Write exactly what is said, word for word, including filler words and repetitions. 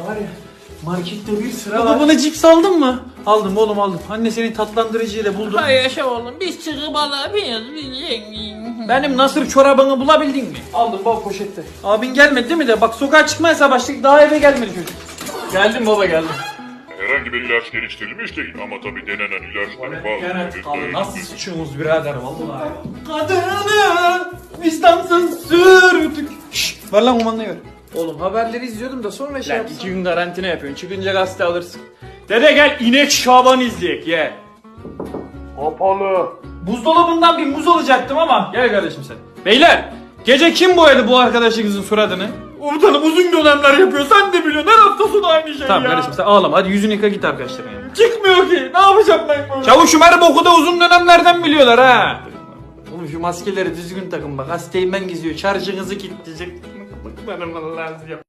var ya, markette bir sıra Baba var. bana cips aldın mı? Aldım oğlum aldım. Anne senin tatlandırıcıyla buldum. Hay yaşa oğlum, biz çıkıp alabiliyoruz. Benim nasır çorabını bulabildin mi? Aldım baba poşette. Abin gelmedi değil mi de? Bak sokağa çıkmayasa başlık daha eve gelmedi çocuk. Geldim baba geldim. Herhangi bir ilaç geliştirilmiş değil ama tabii denenen ilaçların bazı... Nasıl sıçıyorsunuz birader vallahi. Kadını vicdansız sürdük. Şşş ver lan kumandayı ver. Oğlum haberleri izliyordum da sonra şey Lan yapsam. iki gün karantina yapıyorsun. Çıkınca gazete alırsın. Dede gel inek Şaban izleyek ye. Kapalı. Buzdolabından bir muz alacaktım ama. Gel kardeşim sen. Beyler gece kim boyadı bu arkadaşınızın suratını? Komutanım uzun dönemler yapıyor. Sen de biliyorsun. Her hafta sonu aynı şey Tamam ya. kardeşim sen ağlama hadi yüzünü yıka git arkadaşlarına yanına. Çıkmıyor ki. Ne yapacağım ben böyle? Çavuşum her boku da uzun dönemlerden biliyorlar ha. Oğlum şu maskeleri düzgün takın bak hastayım ben geziyor. Şarjınızı kilitleyecek. Bak bana lazım.